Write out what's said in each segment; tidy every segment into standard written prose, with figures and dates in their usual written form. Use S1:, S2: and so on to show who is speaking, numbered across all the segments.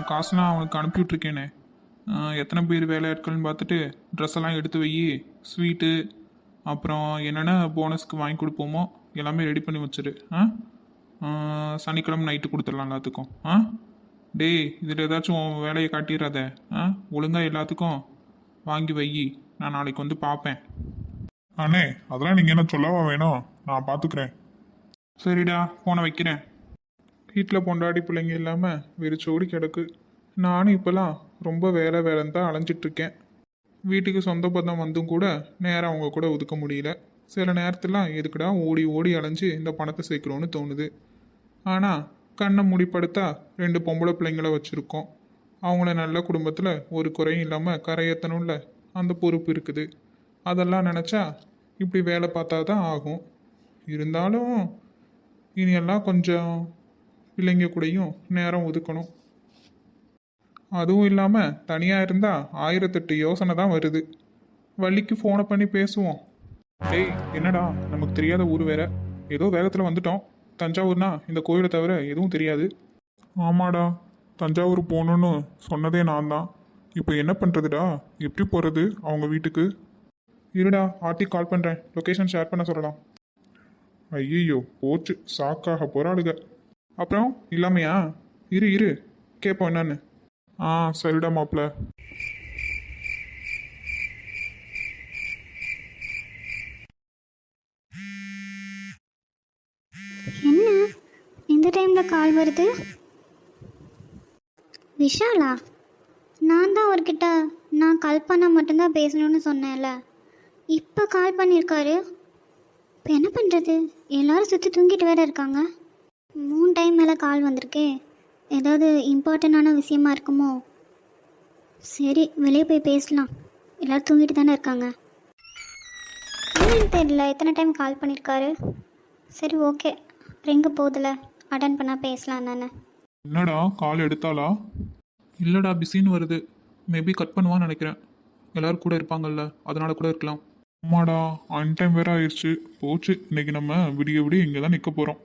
S1: காசுலாம் அவனுக்கு அனுப்பிவிட்ருக்கேனே. எத்தனை பேர் வேலையாட்கள்னு பார்த்துட்டு ட்ரெஸ் எல்லாம் எடுத்து வை, ஸ்வீட்டு அப்புறம் என்னென்ன போனஸ்க்கு வாங்கி கொடுப்போமோ எல்லாமே ரெடி பண்ணி வச்சிரு. சனிக்கிழமை நைட்டு கொடுத்துடலாம் எல்லாத்துக்கும். டேய், இதில் ஏதாச்சும் உன் வேலையை காட்டிடாத. ஒழுங்காக எல்லாத்துக்கும் வாங்கி வை, நான் நாளைக்கு வந்து பார்ப்பேன்.
S2: அண்ணே, அதெல்லாம் நீங்கள் என்ன சொல்லவா வேணும், நான் பார்த்துக்கிறேன்.
S1: சரிடா, ஃபோனை வைக்கிறேன். வீட்டில் பொண்டாடி பிள்ளைங்க இல்லாமல் வெறிச்சோடி கிடக்கு. நானும் இப்போலாம் ரொம்ப வேலைன்னு தான் அலைஞ்சிட்ருக்கேன். வீட்டுக்கு சொந்த பந்தம் வந்தும் கூட நேரம் அவங்க கூட ஒதுக்க முடியல. சில நேரத்துலாம் எதுக்குடா ஓடி ஓடி அலைஞ்சு இந்த பணத்தை சேர்க்குறோன்னு தோணுது. ஆனால் கண்ணை மூடிப்படுத்தா 2 பொம்பளை பிள்ளைங்கள வச்சுருக்கோம். அவங்கள நல்ல குடும்பத்தில் ஒரு குறையும் இல்லாமல் கரையேற்றணும்ல, அந்த பொறுப்பு இருக்குது. அதெல்லாம் நினச்சா இப்படி வேலை பார்த்தா தான் ஆகும். இருந்தாலும் இனியெல்லாம் கொஞ்சம் பிள்ளைங்க கூடயும் நேரம் ஒதுக்கணும். அதுவும் இல்லாமல் தனியாக இருந்தால் 1008 யோசனை தான் வருது. வள்ளிக்கு ஃபோனை பண்ணி பேசுவோம். டேய், என்னடா நமக்கு தெரியாத ஊர் வேற, ஏதோ வேகத்தில் வந்துட்டோம். தஞ்சாவூர்னா இந்த கோயிலை தவிர எதுவும் தெரியாது.
S2: ஆமாடா, தஞ்சாவூர் போகணுன்னு சொன்னதே நான் தான். இப்போ என்ன பண்ணுறதுடா, எப்படி போகிறது அவங்க வீட்டுக்கு?
S1: இருடா, ஆர்த்தி கால் பண்ணுறேன், லொக்கேஷன் ஷேர் பண்ண சொல்லலாம்.
S2: ஐயோ, போச்சு, சாக்காக போகிறாளுங்க.
S1: அப்புறம் இல்லாமையா? இரு கேட்போம் என்னன்னு.
S2: சரிடா மாப்பிள்ள.
S3: என்ன இந்த டைமில் கால் வருது? விஷாலா? நான் தான் அவர்கிட்ட நான் கால் பண்ணால் மட்டும்தான் பேசணும்னு சொன்னேன்ல, இப்போ கால் பண்ணியிருக்காரு. இப்போ என்ன பண்ணுறது? எல்லோரும் சுற்றி தூங்கிட்டு வேற இருக்காங்க. 3 டைம் மேலே கால் வந்திருக்கே, ஏதாவது இம்பார்ட்டண்டான விஷயமா இருக்குமோ? சரி, வெளியே போய் பேசலாம். எல்லோரும் தூங்கிட்டு தானே இருக்காங்க. என்னன்னு தெரியல, எத்தனை டைம் கால் பண்ணியிருக்காரு. சரி, ஓகே, ரிங்கு போதில் அட்டன் பண்ணால் பேசலாம் தானே.
S1: என்னடா, கால் எடுத்தாளா? இல்லைடா, பிஸின்னு வருது. மேபி கட் பண்ணுவான்னு நினைக்கிறேன். எல்லோரும் கூட இருப்பாங்கல்ல, அதனால கூட இருக்கலாம்.
S2: ஆமாடா, அன் டைம் வேற ஆயிடுச்சு. போச்சு, இன்னைக்கு நம்ம விடிய விடிய இங்கே தான் நிற்க போகிறோம்.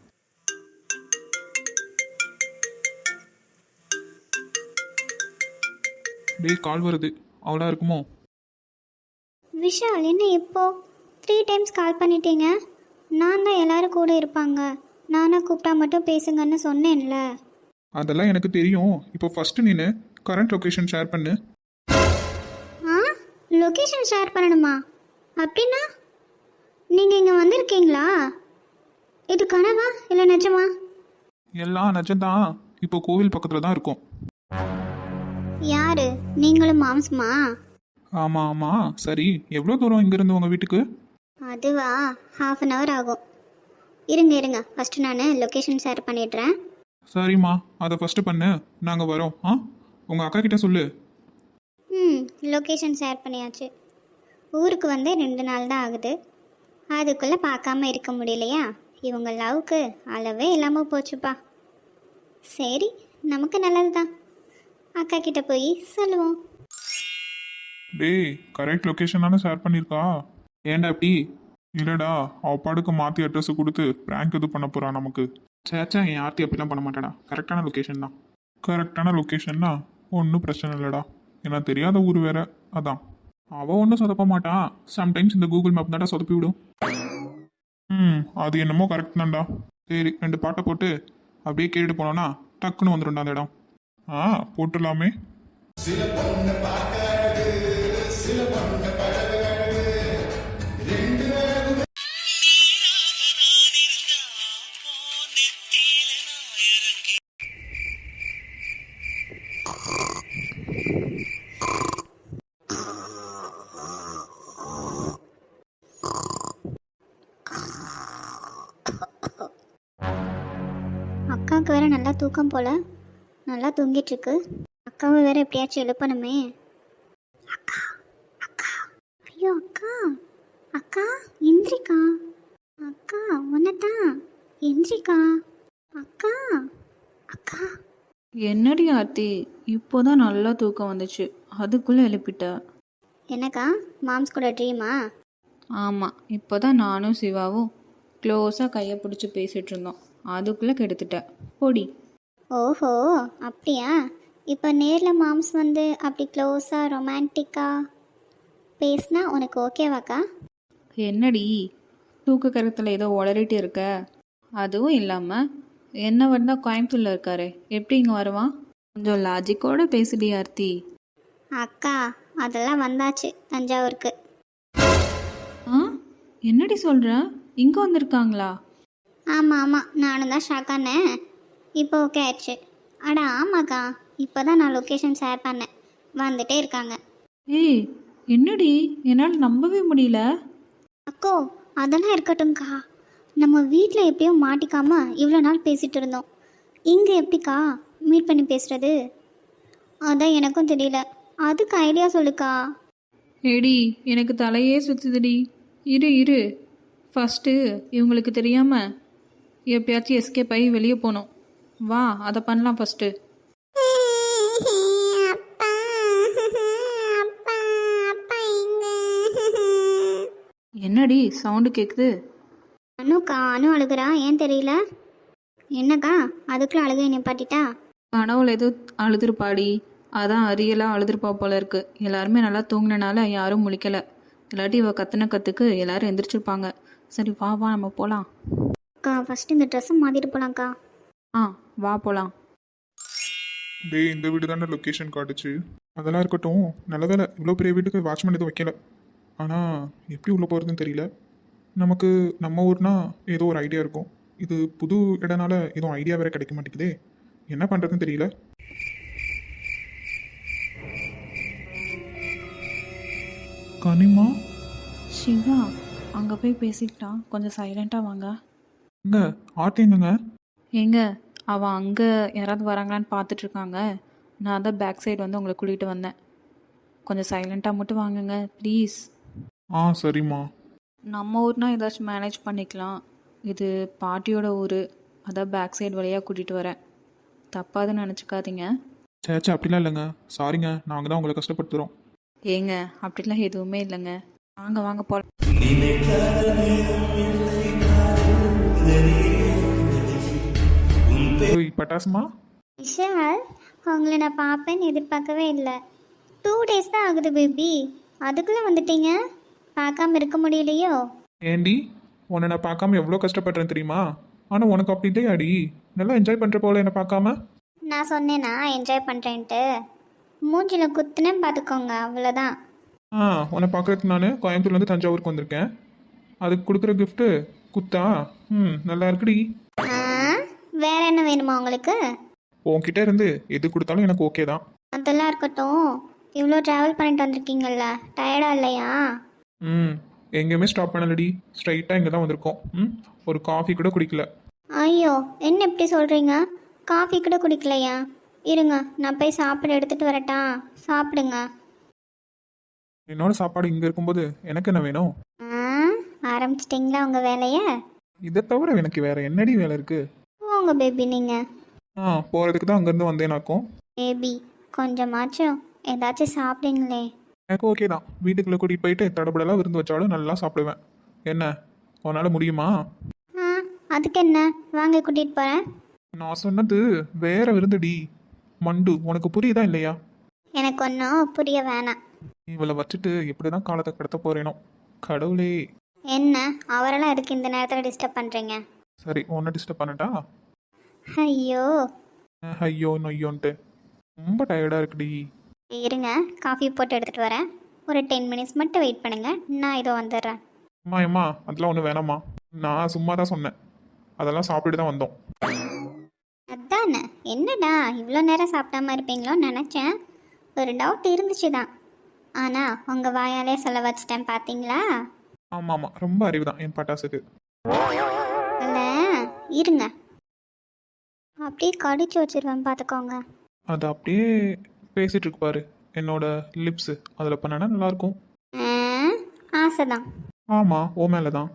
S1: டேய், கால் வருது. அவளா இருக்குமோ?
S3: விஷால், என்ன இப்போ 3 டைம்ஸ் கால் பண்ணிட்டீங்க? நான் தான் எல்லோரும் கூட இருப்பாங்க, நானாக கூப்பிட்டா மட்டும் பேசுங்கன்னு சொன்னேன்ல.
S1: அதெல்லாம் எனக்கு தெரியும். இப்போ ஃபஸ்ட்டு நீ கரண்ட் லொக்கேஷன் ஷேர் பண்ணு.
S3: லொக்கேஷன் ஷேர் பண்ணணுமா? அப்படின்னா நீங்கள் இங்கே வந்திருக்கீங்களா? இது கனவா இல்லை நிஜமா?
S1: எல்லாம் நிஜம்தான். இப்போ கோவில் பக்கத்தில் தான் இருக்கும்.
S3: யாரு, நீங்களும் மாம்சமா?
S1: ஆமாம். சரி, எவ்வளோ தூரம் இங்கேருந்து உங்கள் வீட்டுக்கு?
S3: அதுவா, 1/2 hour ஆகும். இருங்க ஃபஸ்ட்டு நான் லொக்கேஷன் ஷேர் பண்ணிடுறேன்.
S1: சரிம்மா, அதை ஃபஸ்ட்டு பண்ணு, நாங்கள் வரோம். உங்கள் அக்கா கிட்ட சொல்லு.
S3: லொக்கேஷன் ஷேர் பண்ணியாச்சு. ஊருக்கு வந்து 2 நாள் தான் ஆகுது. அதுக்குள்ளே பார்க்காம இருக்க முடியலையா? இவங்க லவ்க்கு அளவே இல்லாமல் போச்சுப்பா. சரி, நமக்கு நல்லது தான். அக்கா கிட்ட போய் சொல்லுவோம்.
S2: டேய், கரெக்ட் லொக்கேஷன் தானே ஷேர் பண்ணியிருக்கா?
S1: ஏன்டா அப்படி?
S2: இல்லைடா, அவப்பாடுக்கு மாற்றி அட்ரஸ் கொடுத்து ப்ராங்க் இது பண்ண போகிறா நமக்கு.
S1: சேச்சா, என் ஆர்த்தி அப்படிலாம் பண்ண மாட்டாடா. கரெக்டான லொக்கேஷன் தான்.
S2: கரெக்டான லொக்கேஷன்னா ஒன்றும் பிரச்சனை இல்லைடா. ஏன்னா தெரியாத ஊர் வேற, அதான்.
S1: அவள் ஒன்றும் சொதப்ப மாட்டான். சம்டைம்ஸ் இந்த கூகுள் மேப் தான்டா சொதப்பி விடும்.
S2: அது என்னமோ கரெக்ட் தான்டா.
S1: சரி, 2 பாட்டை போட்டு அப்படியே கேட்டுட்டு போனோன்னா டக்குன்னு வந்துடும்டா அந்த இடம்.
S2: போட்டுடலாமே.
S3: அக்காவுக்கு வேற நல்லா தூக்கம் போல, நல்லா தூங்கிட்டுருக்கு. அக்காவை வேற எப்படியாச்சும் எழுப்பணுமே. அக்கா அக்கா, ஐயோ அக்கா, அக்கா எந்திரிக்கா. அக்கா உன்னதான், எந்திரிக்கா. அக்கா அக்கா.
S4: என்னடி ஆர்த்தி, இப்போதான் நல்லா தூக்கம் வந்துச்சு, அதுக்குள்ளே எழுப்பிட்ட.
S3: என்னக்கா, மாம்ஸ் கூட ட்ரீமா?
S4: ஆமாம், இப்போதான் நானும் சிவாவும் க்ளோஸாக கையை பிடிச்சி பேசிகிட்டு இருந்தோம், அதுக்குள்ளே கெடுத்துட்ட. பொடி.
S3: ஓஹோ அப்படியா, இப்போ நேரில் மாம்ஸ் வந்து அப்படி க்ளோஸாக ரொமான்டிக்காக பேசினா உனக்கு ஓகேவாக்கா?
S4: என்னடி தூக்க கரத்தில் ஏதோ உளறிட்டு இருக்க? அதுவும் இல்லாமல் என்னவர் தான் கோயம்புத்தூரில் இருக்காரு, எப்படி இங்கே வருவான்? கொஞ்சம் லாஜிக்கோடு பேசுடி ஆர்த்தி.
S3: அக்கா அதெல்லாம் வந்தாச்சு தஞ்சாவூருக்கு.
S4: ஆ, என்னடி சொல்கிற? இங்கே வந்திருக்காங்களா?
S3: ஆமாம் ஆமாம், நானும் தான் ஷாக்கானேன். இப்போ ஓகே ஆயிடுச்சு. அட ஆமாக்கா, இப்போ தான் நான் லொக்கேஷன் ஷேர் பண்ணேன், வந்துட்டே இருக்காங்க.
S4: ஏய் என்னடி, என்னால் நம்பவே முடியல.
S3: அக்கோ அதெல்லாம் இருக்கட்டும்க்கா, நம்ம வீட்டில் எப்படியோ மாட்டிக்காம இவ்வளோ நாள் பேசிகிட்டு இருந்தோம், இங்கே எப்படிக்கா மீட் பண்ணி பேசுகிறது? அதான் எனக்கும் தெரியல, அதுக்கு ஐடியா சொல்லுக்கா.
S4: ஏடி எனக்கு தலையே சுற்றுதுடி. இரு ஃபஸ்ட்டு இவங்களுக்கு தெரியாமல் எப்பயாச்சும் எஸ்கேப் ஆகி வெளியே போகணும். வா அதை பண்ணலாம் ஃபஸ்ட்டு. என்னடி சவுண்டு கேட்குது?
S3: அனுக்கா, அனு அழுகுறா, ஏன் தெரியல. என்னக்கா அதுக்குள்ள அழுகையை நிப்பாட்டிட்டா?
S4: கனவுல ஏதோ அழுதுருப்பாடி, அதான் அரியலாக அழுதுருப்பா போல இருக்கு. எல்லாருமே நல்லா தூங்கினனால யாரும் முழிக்கலை, இல்லாட்டி இவ கத்துன கத்துக்கு எல்லாரும் எந்திரிச்சிருப்பாங்க. சரி வா வா நம்ம போகலாம்.
S3: அக்கா ஃபஸ்ட்டு இந்த ட்ரெஸ்ஸை மாற்றிட்டு போகலாங்க்கா.
S4: ஆ வா போகலாம்.
S2: டேய், இந்த வீடு தானே லொக்கேஷன் காட்டுச்சு. அதெல்லாம் இருக்கட்டும், நல்ல வேலை இவ்வளோ பெரிய வீட்டுக்கு வாட்ச்மேன் எதுவும் வைக்கல. ஆனால் எப்படி உள்ளே போகிறதுன்னு தெரியல. நமக்கு நம்ம ஊர்னா ஏதோ ஒரு ஐடியா இருக்கும், இது புது இடனால எதுவும் ஐடியா வேற கிடைக்க மாட்டேங்குதே, என்ன பண்ணுறதுன்னு தெரியல. கனிமா,
S4: சிவா அங்கே போய் பேசிக்கிட்டான், கொஞ்சம் சைலண்ட்டாக வாங்க.
S2: எங்க ஆர்த்திங்கங்க?
S4: ஏங்க அவன் அங்கே யாராவது வராங்களான்னு பார்த்துட்ருக்காங்க. நான் தான் பேக் சைடு வந்து உங்களை கூட்டிகிட்டு வந்தேன். கொஞ்சம் சைலண்ட்டாக மட்டும் வாங்குங்க ப்ளீஸ்.
S2: ஆ சரிம்மா.
S4: நம்ம ஊர்னா ஏதாச்சும் மேனேஜ் பண்ணிக்கலாம், இது பாட்டியோட ஊர், அதான் பேக் சைடு வழியாக கூட்டிகிட்டு வரேன். தப்பாதுன்னு நினச்சிக்காதீங்க.
S2: சேச்சா அப்படிலாம் இல்லைங்க, சாரிங்க, நாங்கள் தான் உங்களை கஷ்டப்படுத்துகிறோம்.
S4: ஏங்க அப்படிலாம் எதுவுமே இல்லைங்க, வாங்க வாங்க போகலாம்.
S2: ஓய் பட்டாசுமா.
S3: விஷால், உங்களை நான் பார்ப்பேன்னு எதிர்பார்க்கவே இல்லை. 2 days தான் ஆகுது பேபி, அதுக்குள்ளே வந்துட்டீங்க. பார்க்காம இருக்க முடியலையோ?
S2: ஏண்டி, உன்னை நான் பார்க்காம எவ்வளோ கஷ்டப்படுறேன் தெரியுமா? ஆனால் உனக்கு அப்படி இல்லையாடி, நல்லா என்ஜாய் பண்ணுற போல என்னை பார்க்காம.
S3: நான் சொன்னேன்னா என்ஜாய் பண்ணுறேன்ட்டு, மூஞ்சில் குத்துனேன்னு பார்த்துக்கோங்க, அவ்வளோதான்.
S2: உன்னை பார்க்குறதுக்கு நான் கோயம்புத்தூர்லேருந்து தஞ்சாவூருக்கு வந்திருக்கேன், அதுக்கு கொடுக்குற கிஃப்ட்டு குத்தா? நல்லா இருக்குடி.
S3: வேற என்ன வேணுமா உங்களுக்கு?
S2: உன்கிட்ட இருந்து எது கொடுத்தாலும் எனக்கு ஓகே தான்.
S3: அதெல்லாம் இருக்கட்டும், இவ்வளோ ட்ராவல் பண்ணிட்டு வந்திருக்கீங்கல்ல, டயர்டா இல்லையா?
S2: எங்கேயுமே ஸ்டாப் பண்ணலடி, ஸ்ட்ரைட்டாக இங்கே தான் வந்திருக்கோம். ஒரு காஃபி கூட குடிக்கல.
S3: ஐயோ என்ன இப்படி சொல்கிறீங்க, காஃபி கூட குடிக்கலையா? இருங்க நான் போய் சாப்பிட எடுத்துகிட்டு வரட்டா, சாப்பிடுங்க.
S2: என்னோட சாப்பாடு இங்கே இருக்கும்போது எனக்கு என்ன வேணும்?
S3: ஆரம்பிச்சிட்டிங்களா உங்கள் வேலையை?
S2: இதை தவிர எனக்கு வேற என்னடி வேலை இருக்கு?
S3: போங்க பேபி நீங்கள்.
S2: போகிறதுக்கு தான் அங்கேருந்து வந்தேனாக்கும்.
S3: பேபி கொஞ்சமாச்சும் ஏதாச்சும் சாப்பிடுங்களே.
S2: எனக்கு ஓகே தான், வீட்டுக்குள்ளே கூட்டிகிட்டு போயிட்டு தடபடலாம் விருந்து வச்சாலும் நல்லா சாப்பிடுவேன். என்ன உன்னால் முடியுமா?
S3: அதுக்கு என்ன, வாங்க கூட்டிகிட்டு போகிறேன்.
S2: நான் சொன்னது வேற விருந்துடி, மண்டு. உனக்கு புரியுதா இல்லையா?
S3: எனக்கு ஒன்றும் புரிய வேணாம்.
S2: இவளை வச்சுட்டு எப்படி தான் காலத்தை கடத்த போறேனோ கடவுளே.
S3: என்ன அவரெல்லாம் எதுக்கு இந்த நேரத்தில் டிஸ்டர்ப் பண்ணுறீங்க?
S2: சரி, உன்னை டிஸ்டர்ப் பண்ணட்டா?
S3: ஐயோ
S2: ஐயோ நொய்யோன்ட்டு ரொம்ப டயர்டாக இருக்குடி.
S3: இருங்க காஃபி போட்டு எடுத்துகிட்டு வரேன், ஒரு 10 minutes மட்டும் வெயிட் பண்ணுங்கள், நான் இதோ வந்துடுறேன்.
S2: அம்மா அதெல்லாம் ஒன்றும் வேணாம்மா, நான் சும்மா தான் சொன்னேன், அதெல்லாம் சாப்பிட்டு தான் வந்தோம்.
S3: அதானே, என்னடா இவ்வளோ நேரம் சாப்பிடாம இருப்பீங்களோன்னு நினச்சேன், ஒரு டவுட் இருந்துச்சு தான், ஆனால் உங்கள் வாயாலே சொல்ல வச்சிட்டேன் பார்த்தீங்களா?
S2: ஆமாம் ரொம்ப அறிவு தான் என் பட்டாசுக்கு.
S3: இல்லை இருங்க, அப்படியே கடிச்சு வச்சிருவேன் பார்த்துக்கோங்க.
S2: அது அப்படியே பேசிட்டு இருக்கு பாரு, என்னோட லிப்ஸு அதில் பண்ணனா நல்லாயிருக்கும்.
S3: ஆசைதான்.
S2: ஆமாம், ஓ மேலே தான்.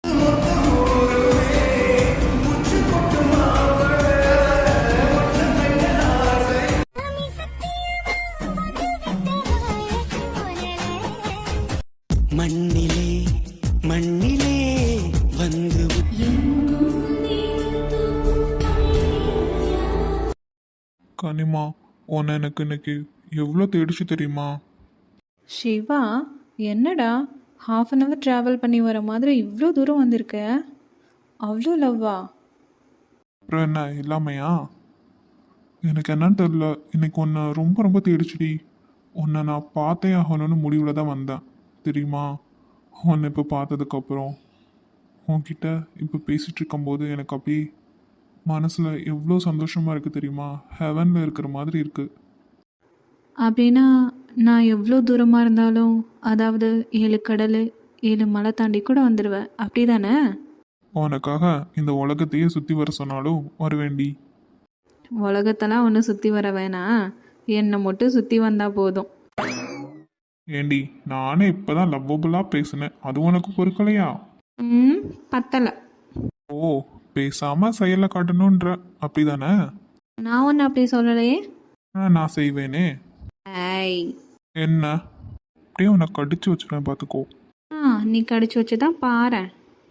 S5: மண்ணிலே மண்ணிலே வந்து
S2: கனிமா, உன்னை எனக்கு இன்னைக்கு எவ்வளோ தேடிச்சு தெரியுமா?
S4: சிவா என்னடா ஹாஃப் அன் ஹவர் ட்ராவல் பண்ணி வர மாதிரி இவ்வளோ தூரம் வந்திருக்க? அவ்வளோ லவ்வா?
S2: அப்புறம் என்ன இல்லாமையா? எனக்கு என்னன்னு தெரில, இன்னைக்கு உன்னை ரொம்ப ரொம்ப தேடிச்சுடி. உன்னை நான் பார்த்தே ஆகணும்னு முடிவில் தான் வந்தேன் தெரியுமா? உன்னை இப்போ பார்த்ததுக்கப்புறம் உன்கிட்ட இப்போ பேசிகிட்டு இருக்கும்போது எனக்கு அப்படியே மனசில் எவ்வளோ சந்தோஷமாக இருக்குது தெரியுமா? ஹெவனில் இருக்கிற மாதிரி இருக்குது.
S4: அப்படின்னா நான் எவ்வளோ தூரமாக இருந்தாலும், அதாவது 7 கடல் 7 மலை தாண்டி கூட வந்துடுவேன், அப்படி தானே?
S2: உனக்காக இந்த உலகத்தையே சுற்றி வர சொன்னாலும் வருவேண்டி.
S4: உலகத்தெல்லாம் ஒன்றும் சுற்றி வர வேணாம், என்னை மட்டும் சுற்றி வந்தால் போதும்.
S2: ஏண்டி நானே இப்போ தான் லவ்வபுளாக பேசினேன், அது உனக்கு பொறுக்கலையா?
S4: பத்தலை.
S2: ஓ, பேசாமல் செயலில் காட்டணுன்ற அப்படி தானே?
S4: நான் ஒன்று அப்படி சொல்லலையே.
S2: நான் செய்வேனே.
S4: ஐய்,
S2: என்ன அப்படியே உன்னை கடிச்சு வச்சுருவேன் பார்த்துக்கோ.
S4: நீ கடிச்சு வச்சு தான் பாரேன்.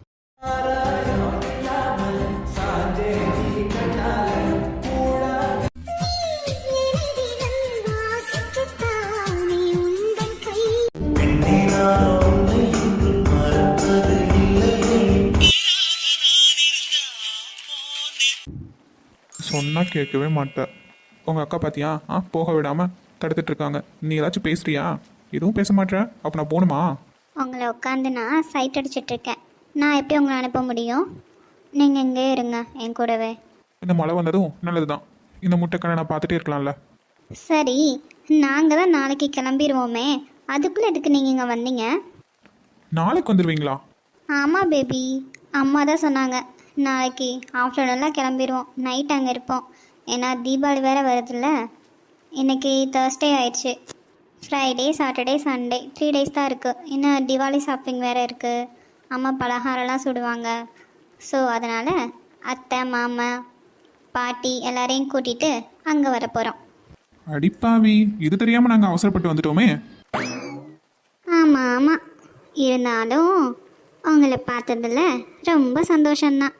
S2: சொன்னா கேட்கவே மாட்டேன். உங்கள் அக்கா பார்த்தியா? போக விடாமல் தடுத்துட்டு இருக்காங்க. நீ ஏதாச்சும் பேசுறியா? எதுவும் பேச மாட்டேற, அப்போ நான் போகணுமா?
S3: உங்களை உட்காந்து நான் சைட் அடிச்சிட்ருக்கேன். நான் எப்படி உங்களை அனுப்ப முடியும்? நீங்கள் இங்கே இருங்க என் கூடவே.
S2: இந்த மழை வந்ததும் நல்லது தான். இந்த முட்டைக்கடை நான் பார்த்துட்டே இருக்கலாம்ல.
S3: சரி, நாங்கள் தான் நாளைக்கு கிளம்பிடுவோமே, அதுக்குள்ளே எதுக்கு நீங்கள் இங்கே வந்தீங்க?
S2: நாளைக்கு வந்துடுவீங்களா?
S3: ஆமாம் பேபி, அம்மா தான் சொன்னாங்க நாளைக்கு ஆஃப்டர்நூன்லாம் கிளம்பிடுவோம், நைட் அங்கே இருப்போம். ஏன்னா தீபாவளி வேறு வருதுல்ல. இன்றைக்கி Thursday ஆயிடுச்சு. ஃப்ரைடே சாட்டர்டே சண்டே 3 days தான் இருக்குது. இன்னும் தீபாவளி ஷாப்பிங் வேறு இருக்குது. அம்மா பலகாரம்லாம் சுடுவாங்க. ஸோ அதனால் அத்தை மாமா பாட்டி எல்லாரையும் கூட்டிகிட்டு அங்கே வர போகிறோம்.
S2: அடிப்பாவி, இது தெரியாமல் நாங்கள் அவசரப்பட்டு வந்துட்டோமே.
S3: ஆமாம் ஆமாம், இருந்தாலும் உங்களை பார்த்ததில் ரொம்ப சந்தோஷம்தான்.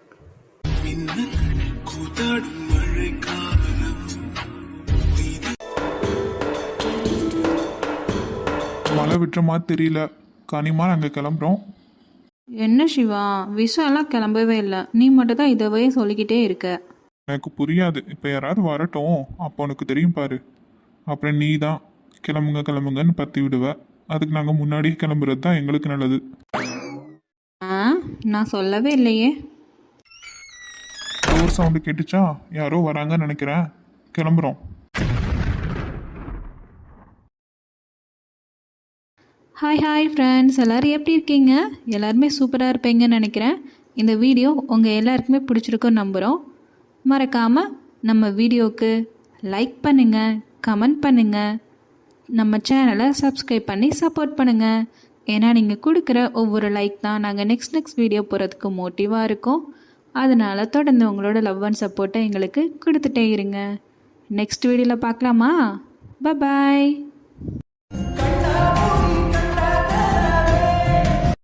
S2: மழை விட்டுற மாதிரி தெரியல. கனிமா நாங்கள் கிளம்புறோம்.
S4: என்ன சிவா, விஷயம் எல்லாம் கிளம்பவே இல்லை, நீ மட்டும் தான் இதவே சொல்லிக்கிட்டே இருக்க.
S2: எனக்கு புரியாது. இப்போ யாராவது வரட்டும், அப்போ உனக்கு தெரியும் பாரு. அப்புறம் நீ தான் கிளம்புங்க கிளம்புங்கன்னு பற்றி விடுவ. அதுக்கு நாங்கள் முன்னாடியே கிளம்புறது தான் எங்களுக்கு நல்லது.
S4: நான் சொல்லவே இல்லையே.
S2: டோர் சவுண்டு கேட்டுச்சா? யாரோ வராங்கன்னு நினைக்கிறேன். கிளம்புறோம்.
S4: ஹாய் ஃப்ரெண்ட்ஸ், எல்லோரும் எப்படி இருக்கீங்க? எல்லாருமே சூப்பராக இருப்பீங்கன்னு நினைக்கிறேன். இந்த வீடியோ உங்கள் எல்லாருக்குமே பிடிச்சிருக்குன்னு நம்புகிறோம். மறக்காமல் நம்ம வீடியோவுக்கு லைக் பண்ணுங்கள், கமெண்ட் பண்ணுங்கள், நம்ம சேனலை சப்ஸ்கிரைப் பண்ணி சப்போர்ட் பண்ணுங்கள். ஏன்னா நீங்கள் கொடுக்குற ஒவ்வொரு லைக் தான் நாங்கள் நெக்ஸ்ட் வீடியோ போகிறதுக்கு மோட்டிவாக இருக்கும். அதனால் தொடர்ந்து உங்களோட லவ் அண்ட் சப்போர்ட்டை எங்களுக்கு கொடுத்துட்டே இருங்க. நெக்ஸ்ட் வீடியோவில் பார்க்கலாமா? பாய்.